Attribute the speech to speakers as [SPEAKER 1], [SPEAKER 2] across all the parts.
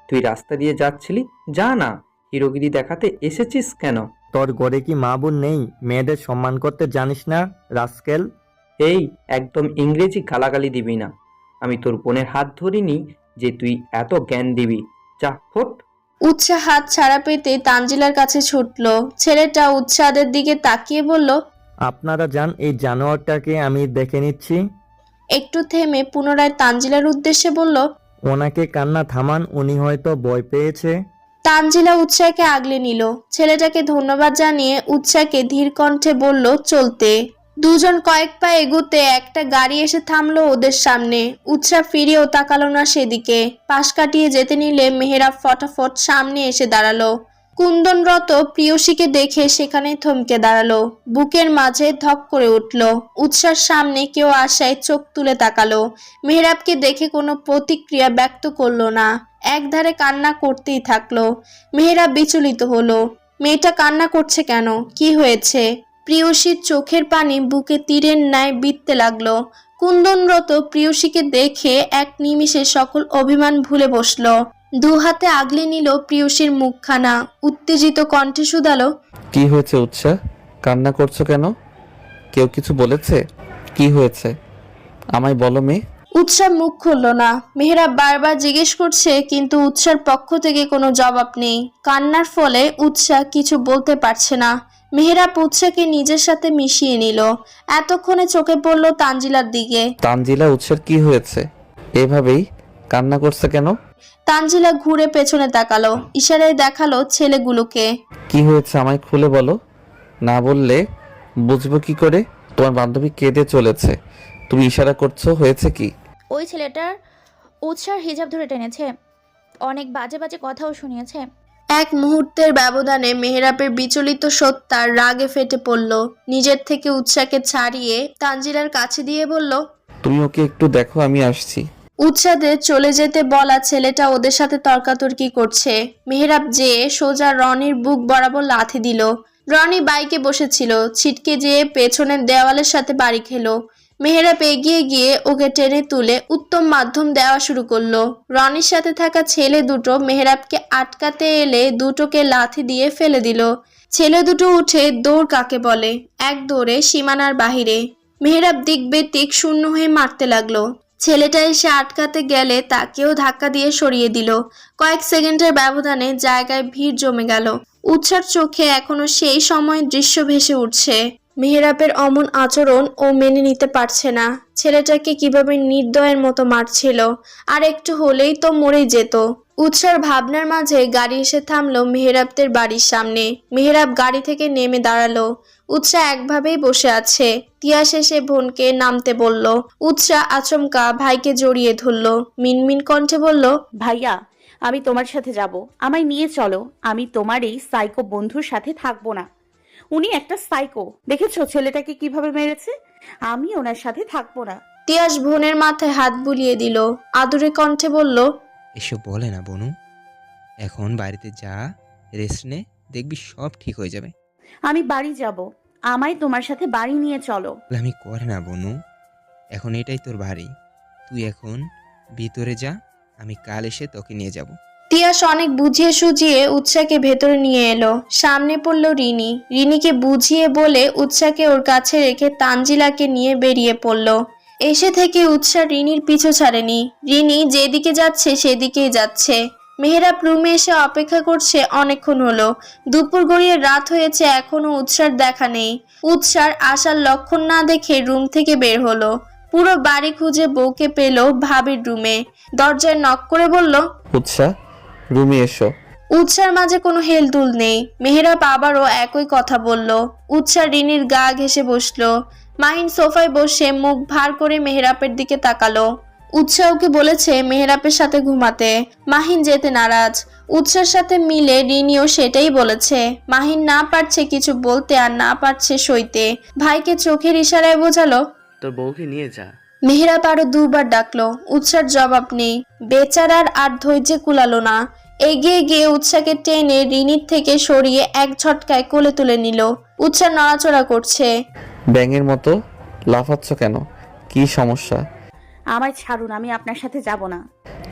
[SPEAKER 1] তুই রাস্তা দিয়ে যাচ্ছিলি, যা না। হিরোগিরি দেখাতে এসেছিস কেন?
[SPEAKER 2] তোর ঘরে কি মা বোন নেই? মেয়েদের সম্মান করতে জানিস না, রাস্কেল?
[SPEAKER 1] এই, একদম ইংরেজি গালাগালি দিবি না। আমি তোর বোনের হাত ধরিনি যে তুই এত জ্ঞান দিবি। যা, ফোট।
[SPEAKER 3] উৎসাহ হাত ছাড়া পেতে তানজিলার কাছে ছুটল। ছেলেটা উৎসাদের দিকে তাকিয়ে বলল,
[SPEAKER 2] আপনারা যান, এই জানোয়ারটাকে আমি দেখে নিচ্ছি।
[SPEAKER 3] একটু থেমে পুনরায় তানজিলার উদ্দেশ্যে বলল,
[SPEAKER 2] ওনাকে কান্না থামান, উনি হয়তো ভয় পেয়েছে।
[SPEAKER 3] তানজিলা উৎসাহকে আগলে নিল। ছেলেটাকে ধন্যবাদ জানিয়ে উৎসাহকে ধীর কণ্ঠে বলল চলতে। দুজন কয়েক পা এগুতে একটা গাড়ি এসে থামলো ওদের সামনে। উৎসাহ ফিরেও তাকালো না সেদিকে। পাশ কাটিয়ে যেতে নিলে মেহেরাব ফটাফট সামনে এসে দাঁড়ালো। কুন্দনরত প্রিয়সীকে দেখে সেখানে থমকে দাঁড়ালো। বুকের মাঝে ধক করে উঠল। উৎসার সামনে কেউ আসায় চোখ তুলে তাকালো। মেহেরাবকে দেখে কোনো প্রতিক্রিয়া ব্যক্ত করলো না, একধারে কান্না করতেই থাকলো। মেহেরাব বিচলিত হলো। মেয়েটা কান্না করছে কেন? কি হয়েছে? প্রিয়সীর চোখের পানি বুকে তীরের ন্যায় বিঁধতে লাগলো। কুন্দনরত প্রিয়সীকে দেখে এক নিমিষে সকল অভিমান ভুলে বসলো। দু হাতে আগলে নিল প্রিয়সীর মুখখানা। উত্তেজিত কণ্ঠে শুধালো,
[SPEAKER 4] কি হয়েছে উৎসাহ? কান্না করছো কেন? কেউ কিছু বলেছে? কি হয়েছে আমায় বলো মেয়ে।
[SPEAKER 3] উৎসাহ মুখ খুলল না। মেহেরাব বারবার জিজ্ঞেস করছে, কিন্তু উৎসার পক্ষ থেকে কোনো জবাব নেই। কান্নার ফলে উৎসাহ কিছু বলতে পারছে না। মেহেরাব উৎসাহকে নিজের সাথে মিশিয়ে নিল। এতক্ষণে চোখে পড়ল তানজিলার দিকে।
[SPEAKER 4] তানজিলা, উৎসার কি হয়েছে? এভাবেই কান্না করছে কেন?
[SPEAKER 3] তানজিলা ঘুরে পেছনে তাকালো, ইশারায় দেখালো ছেলেগুলোকে।
[SPEAKER 4] কি হয়েছে আমায় খুলে বলো, না বললে বুঝবো কি করে? তোমার বান্ধবী কেঁদে চলেছে, তুমি ইশারা করছো, হয়েছে কি?
[SPEAKER 5] ওই ছেলেটার উৎসার হিজাব ধরে টেনেছে, অনেক বাজে বাজে কথাও শুনিয়েছে।
[SPEAKER 3] এক মুহূর্তের ব্যবধানে মেহেরাবের বিচলিত সত্তার রাগে ফেটে পড়ল। নিজের থেকে উৎসাহকে ছাড়িয়ে তানজিলার কাছে দিয়ে বলল,
[SPEAKER 4] তুমি ওকে একটু দেখো, আমি আসছি।
[SPEAKER 3] উৎসাদের চলে যেতে বলা ছেলেটা ওদের সাথে তর্কাতর্কি করছে। মেহেরাব যেয়ে সোজা রনির বুক বরাবর লাথি দিল। রনি বাইকে বসেছিল, ছিটকে যেয়ে পেছনের দেওয়ালের সাথে বাড়ি খেলো। মেহেরাব এগিয়ে গিয়ে ওকে টেনে তুলে উত্তম মাধ্যম দেওয়া শুরু করলো। রনির সাথে থাকা ছেলে দুটো মেহেরাবকে আটকাতে এলে দুটোকে লাথি দিয়ে ফেলে দিল। ছেলে দুটো উঠে দৌড় কাকে বলে, এক দৌড়ে সীমানার বাহিরে। মেহেরাব দিক বেদিক শূন্য হয়ে মারতে লাগলো। ছেলেটা এসে আটকাতে গেলে তাকেও ধাক্কা দিয়ে সরিয়ে দিল। কয়েক সেকেন্ডের ব্যবধানে জায়গায় ভিড় জমে গেল। উৎসার চোখে এখনো সেই সময়ের দৃশ্য ভেসে উঠছে। মেহেরাবের অমন আচরণ ও মেনে নিতে পারছে না। ছেলেটাকে কিভাবে নির্দয়ের মতো মারছিল, আর একটু হলেই তো মরেই যেত। উৎসার ভাবনার মাঝে গাড়ি এসে থামলো মেহেরাবদের বাড়ির সামনে। মেহেরাব গাড়ি থেকে নেমে দাঁড়ালো। উৎসাহ একভাবেই বসে আছে। তিয়া শেষে বোনকে নামতে বলল। উৎসাহ আচমকা ভাইকে জড়িয়ে ধরল। মিনমিন কণ্ঠে বলল,
[SPEAKER 6] ভাইয়া, আমি তোমার সাথে যাব, আমায় নিয়ে চলো। আমি তোমার এই সাইকো বন্ধুর সাথে থাকবো না। উনি একটা সাইকো, দেখেছো ছেলেটাকে কিভাবে মেরেছে? আমি ওনার সাথে থাকবো না।
[SPEAKER 3] তিয়াস বোনের মাথায় হাত বুলিয়ে দিল। আদুরে কণ্ঠে বলল,
[SPEAKER 7] এসব বলে না বনু, এখন বাড়িতে যা, রেস্ট নে, দেখবি সব ঠিক হয়ে যাবে।
[SPEAKER 6] আমি বাড়ি যাব, আমায় তোমার সাথে বাড়ি নিয়ে চলো।
[SPEAKER 7] আমি করে না বনু, এখন এটাই তোর বাড়ি, তুই এখন ভিতরে যা, আমি কাল এসে তোকে নিয়ে যাব।
[SPEAKER 3] তিয়াস অনেক বুঝিয়ে সুঝিয়ে উৎসাহকে ভেতরে নিয়ে এলো। সামনে পড়লো রিনি। রিনিকে বুঝিয়ে বলে উৎসাহকে ওর কাছে রেখে তানজিলাকে নিয়ে বেরিয়ে পড়লো। এসে থেকে উৎসাহ রিনির পিছু ছাড়েনি। রিনি যেদিকে যাচ্ছে সেদিকেই যাচ্ছে। মেহেরাব রুমে এসে অপেক্ষা করছে অনেকক্ষণ হলো। দুপুর গড়িয়ে রাত হয়েছে, এখনো উৎসার দেখা নেই। উৎসার আসার লক্ষণ না দেখে রুম থেকে বের হলো। পুরো বাড়ি খুঁজে বউকে পেল ভাবির রুমে। দরজায় নক করে বলল,
[SPEAKER 4] উৎসাহ, রুমে এসো।
[SPEAKER 3] উৎসার মাঝে কোনো হেলদুল নেই। মেহেরাব আবারও একই কথা বলল। উৎসাহ রিনির গা ঘেঁষে বসলো। মাহিন সোফায় বসে মুখ ভার করে মেহেরাবের দিকে তাকালো। উৎসাহ ওকে বলেছে মেহেরাবের সাথে ঘুমাতে। মাহিন যেতে নারাজ। উৎসার সাথে মিলে রিনিও সেটাই বলেছে। মাহিন না পারছে কিছু বলতে, আর না পারছে সইতে। ভাইকে চোখের ইশারায় বোঝালো,
[SPEAKER 8] তোর বউকে নিয়ে যা।
[SPEAKER 3] মেহেরাব আরো দুবার ডাকলো। উৎসার জবাব নেই। বেচারার আর ধৈর্যে কুলালো না। এগিয়ে গিয়ে উৎসাকে টেনে রিনির থেকে সরিয়ে এক ঝটকায় কোলে তুলে নিল। উৎসাহ নড়াচড়া করছে।
[SPEAKER 4] ব্যাঙের মতো লাফাচ্ছ কেন? কি সমস্যা?
[SPEAKER 6] আমায় ছাড়ুন, আমি আপনার সাথে যাব না।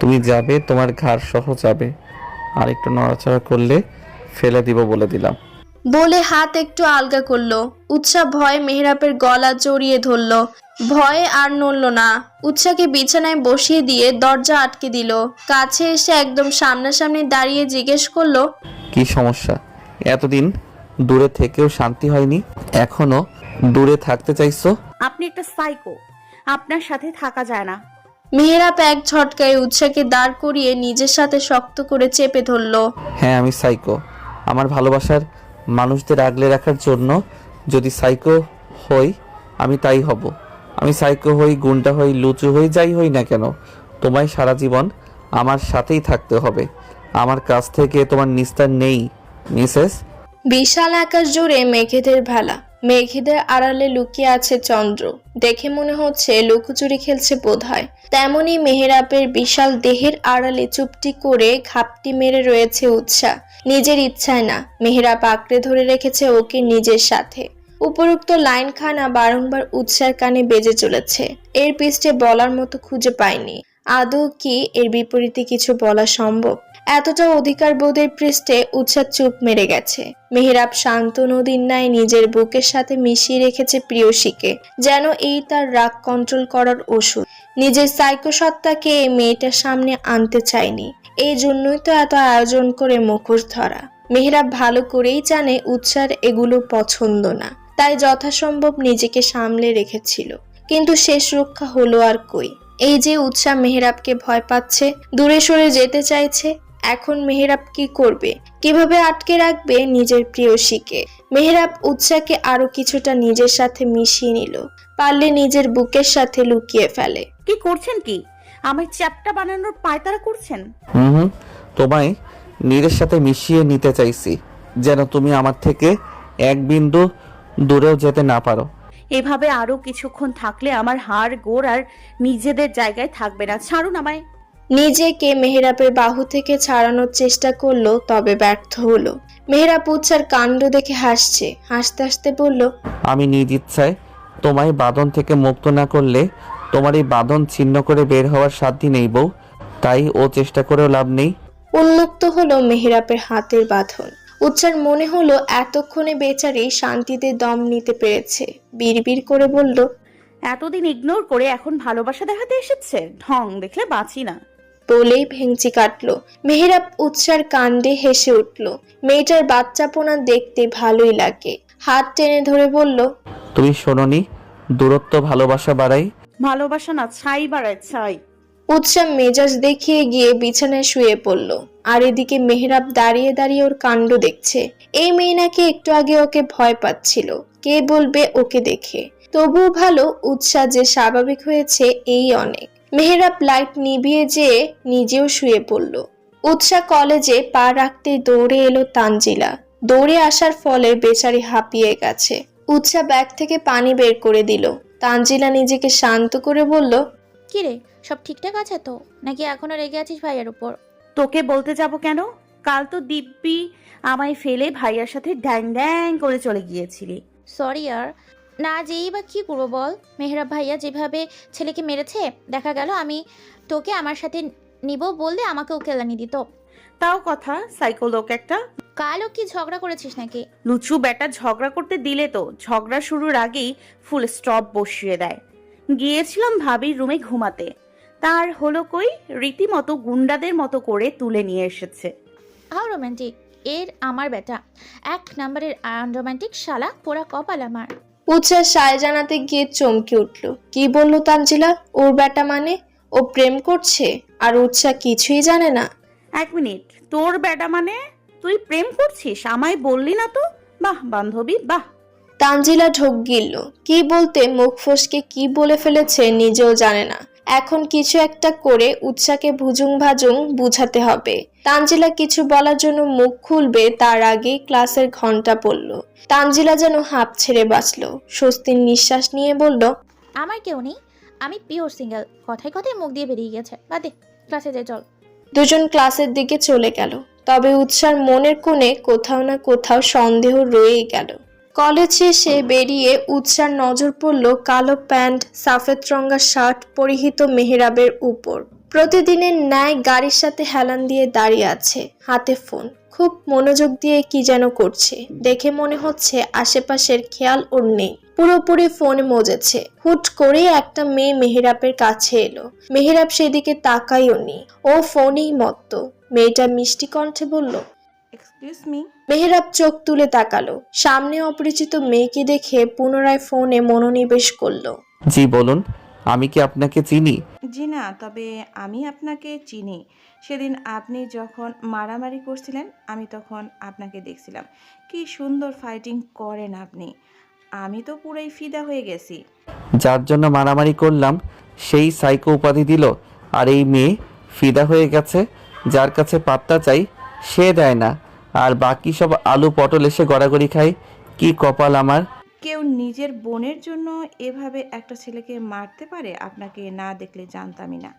[SPEAKER 4] তুমি যাবে, তোমার ঘাড় সহ যাবে। আর একটু নড়াচড়া করলে ফেলে দিব বলে দিলাম।
[SPEAKER 3] বলে হাত একটু আলগা করলো। উৎসা ভয়ে মেহেরাবের গলা জড়িয়ে ধরলো। ভয়ে আর নড়ল না। উৎসাকে বিছানায় বসিয়ে দিয়ে দরজা আটকে দিল। কাছে এসে একদম সামনাসামনি দাঁড়িয়ে জিজ্ঞেস করলো,
[SPEAKER 4] কি সমস্যা? এতদিন দূরে থেকেও শান্তি হয়নি, এখনো দূরে থাকতে চাইছো?
[SPEAKER 6] আপনি একটা সাইকো, আপনার সাথে থাকা যায় না।
[SPEAKER 3] মেহেরাব এক ঝটকায় উৎসাকে দাঁড় করিয়ে নিজের সাথে শক্ত করে চেপে ধরলো।
[SPEAKER 4] হ্যাঁ, আমি সাইকো। আমার ভালোবাসার মানুষদের আগলে রাখার জন্য যদি সাইকো হই, আমি তাই হব। আমি সাইকো হই, গুন্ডা হই, লুচু হই, যাই হই না কেন, তোমায় সারা জীবন আমার সাথেই থাকতে হবে। আমার কাছ থেকে তোমার নিস্তার নেই, মিসেস।
[SPEAKER 3] বিশাল আকাশ জুড়ে মেঘেদের ভেলা। মেঘেদের আড়ালে লুকিয়ে আছে চন্দ্র। দেখে মনে হচ্ছে লুকোচুরি খেলছে বোধহয়। তেমনি মেহেরাবের বিশাল দেহের আড়ালে চুপটি করে ঘাপটি মেরে রয়েছে উৎসা। নিজের ইচ্ছায় না, মেহেরাব আঁকড়ে ধরে রেখেছে ওকে নিজের সাথে। উপরোক্ত লাইনখানা বারংবার উৎসার কানে বেজে চলেছে। এর পৃষ্ঠে বলার মতো খুঁজে পায়নি। আদৌ কি এর বিপরীতে কিছু বলা সম্ভব? এতটা অধিকার বোধের পৃষ্ঠে উৎসাহ চুপ মেরে গেছে। মেহেরাব শান্ত নদীর ন্যায় নিজের বুকের সাথে মিশিয়ে রেখেছে প্রিয়সীকে, যেন এই তার রাগ কন্ট্রোল করার ওষুধ। নিজের সাইকো সত্তাকে এই মেয়েটার সামনে আনতে চায়নি। এই জন্যই তো এত আয়োজন করে মুখোশ ধরা। মেহেরাব ভালো করেই জানে উৎসার এগুলো পছন্দ না, তাই যথাসম্ভব নিজেকে সামলে রেখেছিল। কিন্তু শেষ রক্ষা হলো আর কই। এই যে উৎসাহ মেহেরাবকে ভয় পাচ্ছে, দূরে সরে যেতে চাইছে, এখন মেহেরাব কি করবে? কিভাবে আটকে রাখবে নিজের প্রিয়সীকে? মেহেরাব উৎসাহকে আরো কিছুটা নিজের সাথে মিশিয়ে নিল, পারলে নিজের বুকের সাথে লুকিয়ে ফেলে।
[SPEAKER 6] কি করছেন কি? আমার চ্যাপটা বানানোর পায়তারা করছেন?
[SPEAKER 4] হুম, তোমায় নিজের সাথে মিশিয়ে নিতে চাইছি, যেন তুমি আমার থেকে এক বিন্দু দূরেও যেতে না পারো।
[SPEAKER 6] এভাবে আরো কিছুক্ষণ থাকলে আমার হাড় গোড় আর নিজেদের জায়গায় থাকবে না। ছাড়ুন আমায়।
[SPEAKER 3] নিজেকে মেহেরাবের বাহু থেকে ছাড়ানোর চেষ্টা করলো, তবে ব্যর্থ হলো। মেহেরাব উৎসার কাণ্ড দেখে হাসছে। হাসতে হাসতে বলল,
[SPEAKER 4] আমি নিজ ইচ্ছায় তোমায় বাঁধন থেকে মুক্ত না করলে তোমার এই বাঁধন ছিন্ন করে বের হওয়ার সাধ্য নেই বউ। তাই ও চেষ্টা করেও লাভ নেই।
[SPEAKER 3] উন্মুক্ত হলো মেহেরাবের হাতের বাঁধন। উৎসার মনে হলো এতক্ষণে বেচারি শান্তিতে দম নিতে পেরেছে। বিড়বিড় করে বলল,
[SPEAKER 6] এতদিন ইগনোর করে এখন ভালোবাসা দেখাতে এসেছে? ঢং দেখলে বাঁচি না।
[SPEAKER 3] বলেই ভেঙচি কাটলো। মেহেরাব উৎসার কাণ্ডে হেসে উঠল। মেয়েটার বাচ্চাপোনা দেখতে ভালোই লাগে। হাত টেনে ধরে বলল,
[SPEAKER 4] তুমি শোনোনি, দূরত্ব ভালোবাসা বাড়াই।
[SPEAKER 6] ভালোবাসা না, ছাই বাড়ায় ছাই।
[SPEAKER 3] উৎসাহ মেজাজ দেখিয়ে গিয়ে বিছানায় শুয়ে পড়ল। আর এদিকে মেহেরাব দাঁড়িয়ে দাঁড়িয়ে ওর কাণ্ড দেখছে। এই মেয়ে নাকি একটু আগে ওকে ভয় পাচ্ছিল, কে বলবে ওকে দেখে। তবুও ভালো উৎসাহ যে স্বাভাবিক হয়েছে, এই অনেক। মেহেরাব লাইট নিভিয়ে যেয়ে নিজেও শুয়ে পড়ল। উৎসাহ কলেজে পা রাখতেই দৌড়ে এলো তানজিলা। দৌড়ে আসার ফলে বেচারি হাঁপিয়ে গেছে। উৎসাহ ব্যাগ থেকে পানি বের করে দিল। তানজিলা নিজেকে শান্ত করে বলল,
[SPEAKER 5] কি রে, সব ঠিকঠাক আছে তো, নাকি এখনো রেগে আছিস ভাইয়ের উপর?
[SPEAKER 6] তোকে বলতে যাব কেন? কাল তো দিব্যি আমায় ফেলে ভাইয়ার সাথে ড্যাং ড্যাং করে চলে গিয়েছিলি।
[SPEAKER 5] সরি আর, না যেই বা কি করবো বল। মেহরাব ভাইয়া যেভাবে ছেলেকে মেরেছে, দেখা গেল আমি তোকে আমার সাথে নিব বললে আমাকেও কেলানি দিত।
[SPEAKER 6] তাও কথা, সাইকো লোক একটা।
[SPEAKER 5] কালও কি ঝগড়া করেছিস নাকি?
[SPEAKER 6] লুচু বেটা ঝগড়া করতে দিলে তো ঝগড়া শুরুর আগেই ফুল স্টপ বসিয়ে দেয়। গিয়েছিলাম ভাবির রুমে ঘুমাতে, তার হলো কই, রীতিমতো গুন্ডাদের মতো করে তুলে নিয়ে এসেছে।
[SPEAKER 5] হাউ রোমান্টিক এর আমার বেটা, এক নাম্বারের আনরোমান্টিক শালা, পোড়া কপাল আমার।
[SPEAKER 3] উৎসাহ সায় জানাতে গিয়ে চমকে উঠল। কি বলল তানজিলা? ওর বেটা মানে? ও প্রেম করছে আর উৎসাহ কিছুই জানে না?
[SPEAKER 6] এক মিনিট, তোর বেটা মানে? তুই প্রেম করছিস? আমায় বললি না তো। বাহ বান্ধবী, বাহ।
[SPEAKER 3] তানজিলা ঢোক গিলল। কি বলতে মুখ ফসকে কি বলে ফেলেছে নিজেও জানে না। এখন কিছু একটা করে উৎসাহকে ভুজুং ভাজুং বুঝাতে হবে। তানজিলা কিছু বলার জন্য মুখ খুলবে তার আগেই ক্লাসের ঘন্টা পড়ল। তানজিলা যেন হাঁপ ছেড়ে বাঁচল। স্বস্তির নিঃশ্বাস নিয়ে বলল,
[SPEAKER 5] আমার কেউ নেই, আমি পিওর সিঙ্গেল। কথায় কথায় মুখ দিয়ে বেরিয়ে গেছে, বাদে, ক্লাসে যাই চল।
[SPEAKER 3] দুজন ক্লাসের দিকে চলে গেল। তবে উৎসার মনের কোণে কোথাও না কোথাও সন্দেহ রয়েই গেল। কলেজ শেষে বেরিয়ে উৎসার নজর পড়ল কালো প্যান্ট, সাফেদ রঙা শার্ট পরিহিত মেহেরাবের উপর। প্রতিদিনের ন্যায় গাড়ির সাথে হেলান দিয়ে দাঁড়িয়ে আছে, হাতে ফোন, খুব মনোযোগ দিয়ে কি যেন করছে। দেখে মনে হচ্ছে আশেপাশের খেয়াল ওর নেই, পুরোপুরি ফোনে মজেছে। হুট করে একটা মেয়ে মেহেরাবের কাছে এলো। মেহেরাব সেদিকে তাকাইও নি, ও ফোনেই মত্ত। মেয়েটা মিষ্টি কণ্ঠে বলল,
[SPEAKER 6] এক্সকিউজ মি।
[SPEAKER 3] মেহেরাব চোখ তুলে তাকালো। সামনে অপরিচিত মেয়েকে দেখে পুনরায় ফোনে মনোনিবেশ করলো।
[SPEAKER 4] জি বলুন, আমি কি আপনাকে চিনি?
[SPEAKER 8] জি না, তবে আমি আপনাকে চিনি। সেদিন আপনি যখন মারামারি করছিলেন আমি তখন আপনাকে দেখছিলাম। কি সুন্দর ফাইটিং করেন আপনি। আমি তো পুরাই ফিদা হয়ে গেছি।
[SPEAKER 4] যার জন্য মারামারি করলাম সেই সাইকো উপাধি দিল, আর এই মেয়ে ফিদা হয়ে গেছে। যার কাছে পাত্তা চাই সে দেয় না, আর বাকি সব আলু পটল এসে গড়াগড়ি খায়। কি কপাল আমার।
[SPEAKER 8] কেউ নিজের বোনের জন্য এভাবে একটা ছেলেকে মারতে পারে? আপনাকে না দেখলে জানতামই না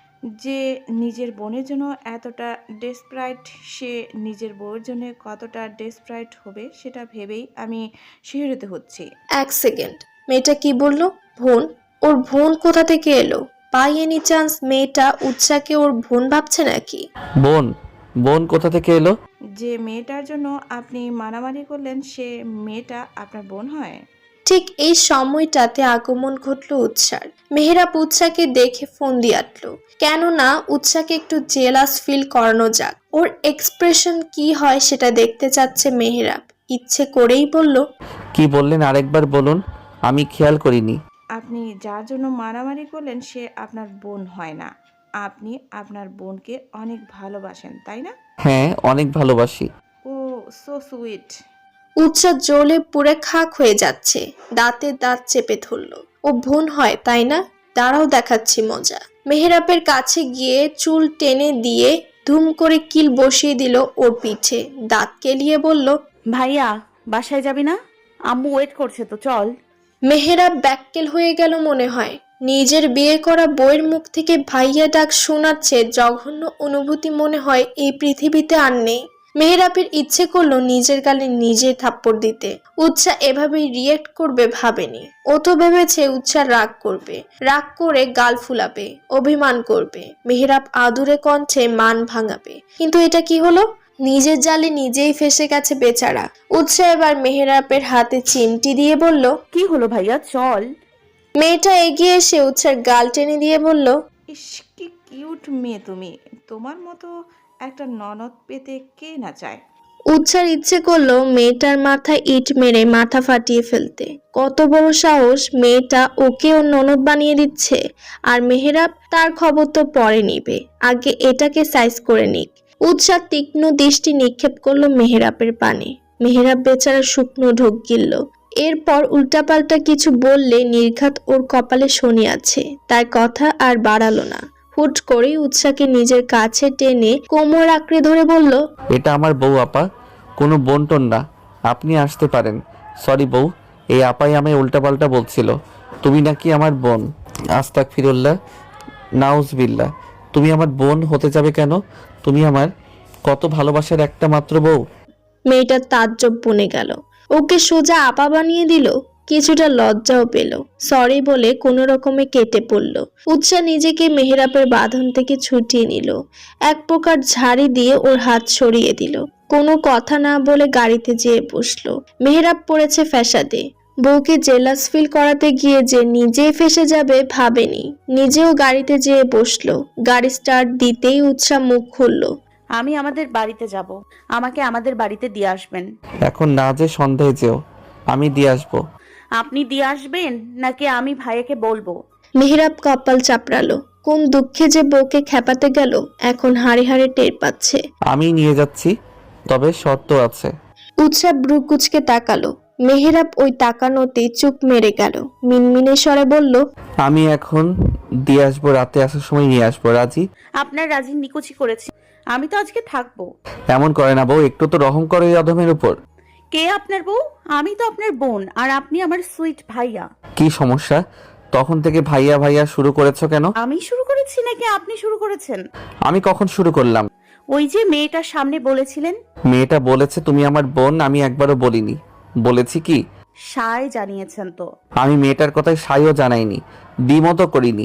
[SPEAKER 8] যে নিজের বোনের জন্য এতটা ডেসপারেট। সে নিজের বউয়ের জন্য কতটা ডেসপারেট হবে সেটা ভেবেই আমি শিহরিত হচ্ছি।
[SPEAKER 3] এক সেকেন্ড, মেয়েটা কি বললো? বোন? ওর বোন কোথা থেকে এলো? বাই এনি চান্স মেয়েটা উৎসাকে ওর বোন ভাবছে নাকি?
[SPEAKER 4] বোন? বোন কোথা থেকে এলো?
[SPEAKER 8] যে মেয়েটার জন্য আপনি মারামারি করলেন সে মেয়েটা আপনার বোন হয়?
[SPEAKER 3] ঠিক এই সময়টাতে আগমন ঘটলো উৎসার। মেহেরাব উৎসাকে দেখে ফোন দিয়ে আটলো, কেননা উৎসাকে একটু জেলাস ফিল করানো যাক। ওর এক্সপ্রেশন কি হয় সেটা দেখতে চাচ্ছে মেহেরাব। ইচ্ছে করেই বলল,
[SPEAKER 4] কি বললেন আরেকবার বলুন, আমি খেয়াল করিনি।
[SPEAKER 8] আপনি যার জন্য মারামারি করলেন সে আপনার বোন হয় না। আপনি আপনার বোনকে অনেক ভালোবাসেন, তাই না?
[SPEAKER 4] হ্যাঁ, অনেক ভালোবাসি।
[SPEAKER 8] Oh so sweet.
[SPEAKER 3] উৎসা জ্বলে পুড়ে খাক হয়ে যাচ্ছে, দাঁতে দাঁত চেপে ধরলো। ও বোন হয় তাই না? দাঁড়াও দেখাচ্ছি মজা। মেহেরাবের কাছে গিয়ে চুল টেনে দিয়ে ধুম করে কিল বসিয়ে দিল ওর পিঠে। দাঁত কেলিয়ে বলল,
[SPEAKER 6] ভাইয়া বাসায় যাবি না? আম্মু ওয়েট করছে তো, চল।
[SPEAKER 3] মেহেরাব ব্যাক্কেল হয়ে গেল মনে হয়। নিজের বিয়ে করা বউয়ের মুখ থেকে ভাইয়া ডাক শোনাচ্ছে জঘন্য অনুভূতি মনে হয় এই পৃথিবীতে আর নেই। মেহেরাবের ইচ্ছে করলো নিজের গালে নিজে থাপ্পড় দিতে। উৎসা এভাবেই রিয়েক্ট করবে ভাবেনি। ও তো ভেবেছে উৎসা রাগ করবে, রাগ করে গাল ফুলাবে, অভিমান করবে, মেহেরাব আদুরে কণ্ঠে মান ভাঙাবে। কিন্তু এটা কি হলো? নিজের জালে নিজেই ফেসে গেছে বেচারা। উৎসা এবার মেহেরাবের হাতে চিমটি দিয়ে বলল,
[SPEAKER 6] কি হলো ভাইয়া, চল।
[SPEAKER 3] মেয়েটা এগিয়ে এসে উৎসার গাল টেনে দিয়ে বলল,
[SPEAKER 8] ইস কি কিউট মেয়ে তুমি। তোমার মতো একটা ননদ পেতে কে না চায়?
[SPEAKER 3] উৎসার ইচ্ছে করলো মেয়েটার মাথায় ইট মেরে মাথা ফাটিয়ে ফেলতে। কত বড় সাহস, মেয়েটা ওকে ওর ননদ বানিয়ে দিচ্ছে। আর মেহেরাব তার খবর তো পরে নিবে, আগে এটাকে সাইজ করে নিক। উৎসার তীক্ষ্ণ দৃষ্টি নিক্ষেপ করলো মেহেরাবের পানে। মেহেরাব বেচারা শুকনো ঢোক গিলল। এরপর উল্টাপাল্টা কিছু বললে নির্ঘাত ওর কপালে শনি আছে, তার কথা আর বাড়ালো না। হুট করেই উৎসাকে নিজের কাছে টেনে কোমর আঁকড়ে ধরে বলল,
[SPEAKER 4] এটা আমার বউ আপা, কোনো বোনটোন না, আপনি আসতে পারেন। সরি বউ, এই আপাই আমায় উল্টাপাল্টা বলছিল, তুমি নাকি আমার বোন। আস্তাগফিরুল্লাহ, নাউজবিল্লাহ। তুমি আমার বোন হতে যাবে কেন? তুমি আমার কত ভালোবাসার একটা মাত্র বউ।
[SPEAKER 3] মেয়েটার তাজ্জব বনে গেল। ওকে সোজা আপা বানিয়ে দিল। কিছুটা লজ্জাও পেল। সরি বলে কোনো রকমে কেটে পড়ল। উৎসা নিজেকে মেহেরাবের বাঁধন থেকে ছুটিয়ে নিল। এক প্রকার ঝাড়ি দিয়ে ওর হাত সরিয়ে দিল। কোনো কথা না বলে গাড়িতে যেয়ে বসলো। মেহেরাব পড়েছে ফ্যাসাদে। বউকে জেলাস ফিল করাতে গিয়ে যে নিজেই ফেসে যাবে ভাবেনি। নিজেও গাড়িতে যেয়ে বসলো। গাড়ি স্টার্ট দিতেই উৎসা মুখ খুললো।
[SPEAKER 6] আমি আমাদের বাড়িতে যাব, আমাকে আমাদের বাড়িতে দিয়ে আসবেন।
[SPEAKER 4] এখন না, যে সন্ধ্যায় যেও, আমি দিয়ে আসবো।
[SPEAKER 6] আপনি দিয়ে আসবেন নাকি আমি ভাইয়াকে বলবো?
[SPEAKER 3] মেহেরাব কপাল চাপড়ালো। কোন দুঃখে যে বউকে খেপাতে গেল এখন হাড়ে হাড়ে টের পাচ্ছে।
[SPEAKER 4] আমি নিয়ে যাচ্ছি, তবে শর্ত আছে।
[SPEAKER 3] উৎসা ব্রু কুচকে তাকালো। মেহেরাব ওই তাকানোতেই চুপ মেরে গেল। মিনমিনে স্বরে বলল,
[SPEAKER 4] আমি এখন দিয়ে আসবো, রাতে আসার সময় নিয়ে আসবো, রাজি?
[SPEAKER 6] আপনার রাজি নিকুচি করেছি, আমি তো আজকে থাকবো।
[SPEAKER 4] এমন করে না বউ, একটু তো রহম করো এই অধমের উপর।
[SPEAKER 6] কে আপনার বউ? আমি তো আপনার বোন, আর আপনি আমার সুইট ভাইয়া।
[SPEAKER 4] কি সমস্যা? তখন থেকে ভাইয়া ভাইয়া শুরু করেছো কেন?
[SPEAKER 6] আমি শুরু করেছি নাকি আপনি শুরু করেছেন?
[SPEAKER 4] আমি কখন শুরু করলাম?
[SPEAKER 6] ওই যে মেয়েটার সামনে বলেছিলেন।
[SPEAKER 4] মেয়েটা বলেছে তুমি আমার বোন, আমি একবারও বলিনি। বলেছি কি?
[SPEAKER 6] সায় জানিয়েছেন তো।
[SPEAKER 4] আমি মেয়েটার কথায় সাইও জানাইনি, দ্বিমতও করিনি।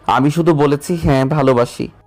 [SPEAKER 4] আমি শুধু বলেছি হ্যাঁ ভালোবাসি।